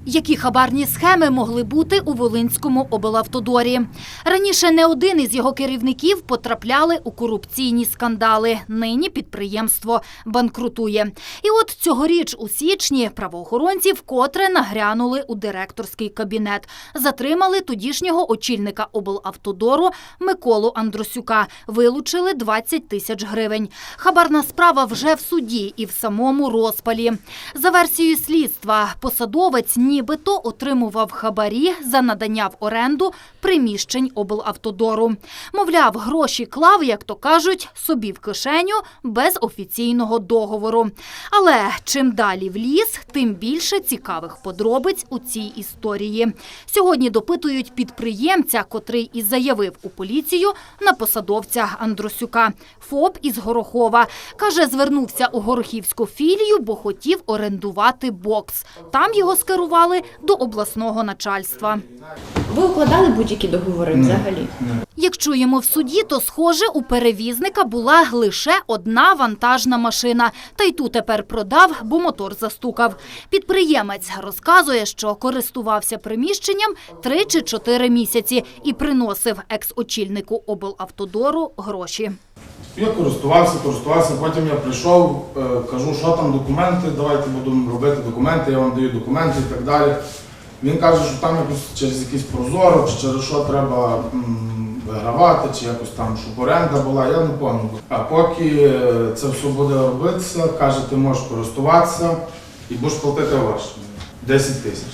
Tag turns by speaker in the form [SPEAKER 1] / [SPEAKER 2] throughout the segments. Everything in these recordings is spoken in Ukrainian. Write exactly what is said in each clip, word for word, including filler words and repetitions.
[SPEAKER 1] Які хабарні схеми могли бути у Волинському облавтодорі? Раніше не один із його керівників потрапляли у корупційні скандали. Нині підприємство банкрутує. І от цьогоріч у січні правоохоронці вкотре нагрянули у директорський кабінет. Затримали тодішнього очільника облавтодору Миколу Андросюка. Вилучили двадцять тисяч гривень. Хабарна справа вже в суді і в самому розпалі. За версією слідства, посадовець нібито отримував хабарі за надання в оренду приміщень облавтодору. Мовляв, гроші клав, як то кажуть, собі в кишеню без офіційного договору. Але чим далі в ліс, тим більше цікавих подробиць у цій історії. Сьогодні допитують підприємця, котрий і заявив у поліцію на посадовця Андросюка. ФОП із Горохова. Каже, звернувся у горохівську філію, бо хотів орендувати бокс. Там його скерували до обласного начальства.
[SPEAKER 2] Ви укладали будь-які договори взагалі?
[SPEAKER 1] Як чуємо в суді, то, схоже, у перевізника була лише одна вантажна машина. Та й ту тепер продав, бо мотор застукав. Підприємець розказує, що користувався приміщенням три чи чотири місяці і приносив екс-очільнику облавтодору гроші.
[SPEAKER 3] Я користувався, користувався, потім я прийшов, кажу, що там документи, давайте будемо робити документи, я вам даю документи і так далі. Він каже, що там якось через якийсь прозоро, чи через що треба м, вигравати, чи якось там, щоб оренда була, я не пам'ятаю. А поки це все буде робитися, каже, ти можеш користуватися і будеш платити гроші. десять тисяч.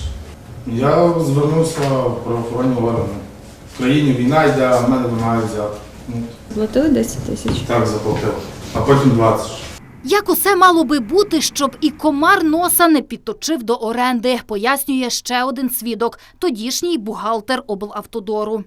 [SPEAKER 3] Я звернувся в правоохоронні органи. В країні війна йде, а в мене вимагають взяти.
[SPEAKER 2] Платили десять тисяч?
[SPEAKER 3] Так, заплатив. А потім двадцять.
[SPEAKER 1] Як усе мало би бути, щоб і комар носа не підточив до оренди, пояснює ще один свідок – тодішній бухгалтер облавтодору.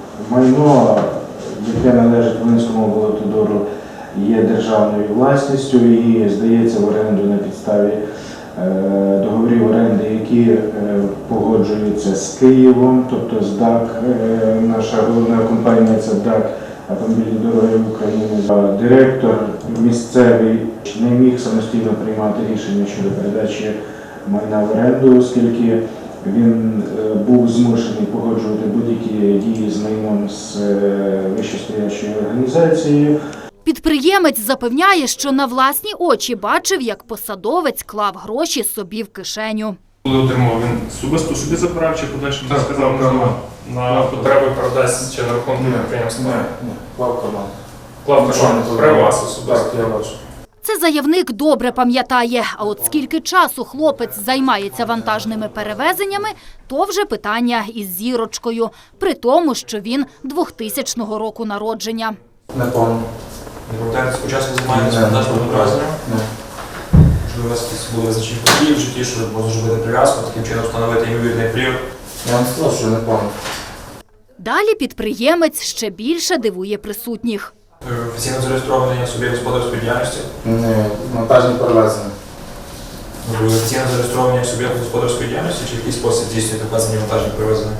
[SPEAKER 4] Майно, яке належить Волинському облавтодору, є державною власністю і здається в оренду на підставі договорів оренди, які погоджуються з Києвом, тобто з ДАК, наша головна компанія – це ДАК автомобільні дороги України. Директор місцевий не міг самостійно приймати рішення щодо передачі майна в оренду, оскільки він був змушений погоджувати будь-які дії з майном з вищестоячою організацією.
[SPEAKER 1] Підприємець запевняє, що на власні очі бачив, як посадовець клав гроші собі в кишеню.
[SPEAKER 5] Коли отримав, він особисто собі забирав чи подальше не сказав,
[SPEAKER 3] карман.
[SPEAKER 5] на потреби передасть чи на рахунок підприємства?
[SPEAKER 3] Ні, ні, клав карман.
[SPEAKER 5] Клав карман, при вас особисто?
[SPEAKER 3] Так, я бачу.
[SPEAKER 1] Це заявник добре пам'ятає. А от скільки часу хлопець займається вантажними перевезеннями, то вже питання із зірочкою. При тому, що він двохтисячного року народження.
[SPEAKER 3] Не пам'ятаю.
[SPEAKER 5] Не пам'ятаєте, спочатку займаєтеся вантажними перевезеннями?
[SPEAKER 3] Ні.
[SPEAKER 5] Можливо, у вас якісь були визначені події в житті, що можна зробити прив'язку, таким чином встановити ймовірний вплив?
[SPEAKER 3] Я вам сказав, що не пам'ятаю.
[SPEAKER 1] Далі підприємець ще більше дивує присутніх.
[SPEAKER 5] Офіційно зареєстрований собі господарської діяльності?
[SPEAKER 3] Ні, вантажні перевезення.
[SPEAKER 5] Ви офіційно зареєстровані собі господарської діяльності чи в якийсь спосіб здійснюєте вказані вантажні перевезення?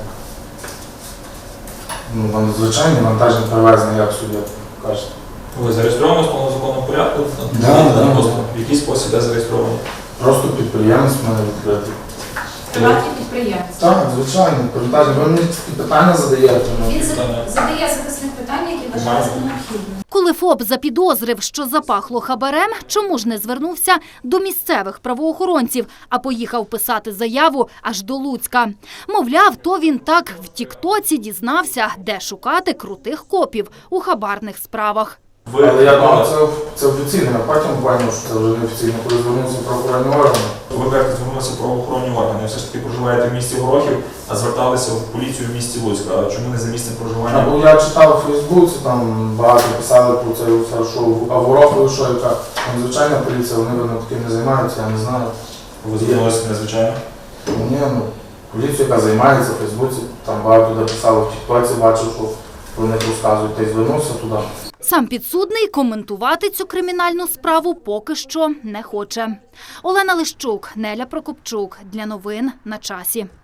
[SPEAKER 3] Ну, звичайні вантажні перевезення, як суддя каже.
[SPEAKER 5] Ви зареєстровані в законному порядку?
[SPEAKER 3] Да, да, да.
[SPEAKER 5] В який спосіб де зареєстровані?
[SPEAKER 3] Просто підприємець в мене відкритий.
[SPEAKER 6] Приватний підприємець.
[SPEAKER 3] Так, звичайно, вантажні. Ви мені такі питання задаєте.
[SPEAKER 6] Він задає захисних питань, які вважає за необхідне.
[SPEAKER 1] Коли ФОП запідозрив, що запахло хабарем, чому ж не звернувся до місцевих правоохоронців, а поїхав писати заяву аж до Луцька? Мовляв, то він так в тіктоці дізнався, де шукати крутих копів у хабарних справах.
[SPEAKER 5] Ви,
[SPEAKER 3] Але я думаю, це, це офіційно, а потім бачив, що це вже не офіційно, коли звернувся в правоохоронні органи.
[SPEAKER 5] ви кажете, звернулися в правоохоронні органи, все ж таки проживаєте в місті Горохів, а зверталися в поліцію в місті Луцьк. А чому не за місцем проживання?
[SPEAKER 3] Бо я читав у Фейсбуці, там багато писали про це, що а в Горохові, що яка там звичайна поліція, вони видно таким не займаються, я не знаю.
[SPEAKER 5] Ви звернулися незвичайно?
[SPEAKER 3] Ні, ну, поліція, яка займається в Фейсбуці, там багато де писали, в тіктоці бачив, що про них розказують, та й звернувся туди.
[SPEAKER 1] Сам підсудний коментувати цю кримінальну справу поки що не хоче. Олена Лищук, Неля Прокопчук. Для новин на часі.